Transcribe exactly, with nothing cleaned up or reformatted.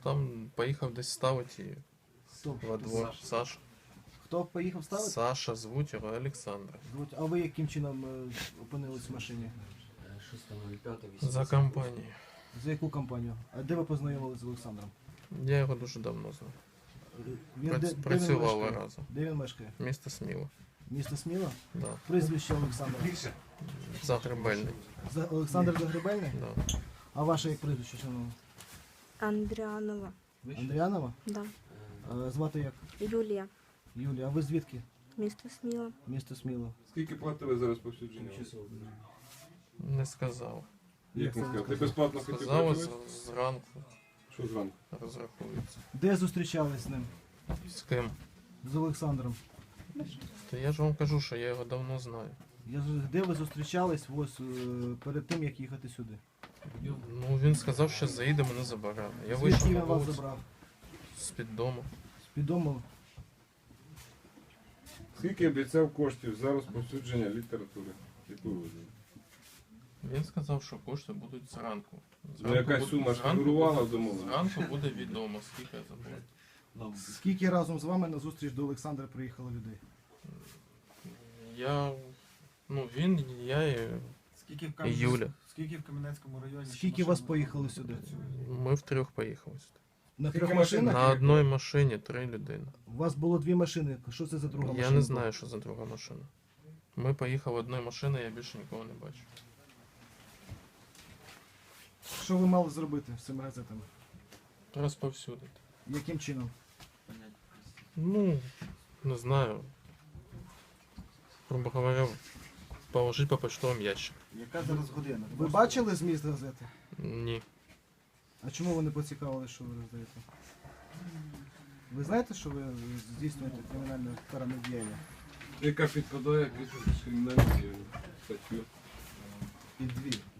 там поїхав десь ставити і Хто? во двор. Саша. Хто поїхав ставити? Саша, звуть його Олександр. Звуть. А ви яким чином е, опинились в машині? За компанією. За яку компанію? А де ви познайомилися з Олександром? Я його дуже давно знаю. Він Прац- де, де він працював мешкає? разом. Де він мешкає? Місто Сміло. Місто Сміло? Да. Прізвище Олександра. Загребельний. За Олександр Загребельний? Да. А ваше як прізвище, шановне? Андріанова. Андріанова? Да. А, звати як? Юлія. Юлія. А ви звідки? Місто Сміло. Місто Сміло. Скільки платили за розповсюдження? Не сказав. Як не це сказав? не Ти безплатно хотів Сказав працювати? з- зранку Що зранку? розрахується. Де зустрічались з ним? З ким? З Олександром. Та я ж вам кажу, що я його давно знаю. Я, з- де ви зустрічались ось, е, перед тим, як їхати сюди? Ну він сказав, що заїде мене забирати. Я Звідки вийшов він на вас вулицю забрав? з-під дому. З-під дому? Скільки обіцяв коштів за розповсюдження літератури? Яку ви ввели? Він сказав, що кошти будуть зранку. Ну якась буде- сума ж зранку фігурувала буде- в домовленості? Зранку буде відомо, скільки я забув. Скільки разом з вами на зустріч до Олександра приїхало людей? Я. Ну він, я і Скільки в, і Кам'янець- Юля. Скільки в Кам'янецькому районі? ще Скільки машин вас було? поїхали сюди? Ми втрьох поїхали сюди. На Скільки трьох машин? машинах? На одній машині три людини. У вас було дві машини. Що це за друга машина? Я не знаю, що за друга машина. Ми поїхали одною машиною, я більше нікого не бачу. Що ви мали зробити з цими газетами? Розповсюдити. Яким чином? Ну, не знаю. Грубо говоря, положить по почтовому ящику. Яка зараз година? Ви бачили зміст газети? Ні. А чому ви не поцікавили, що ви роздаєте? Ви знаєте, що ви здійснюєте кримінальне каране діяння? Яка підпадає під кримінальну статтю? Під дві.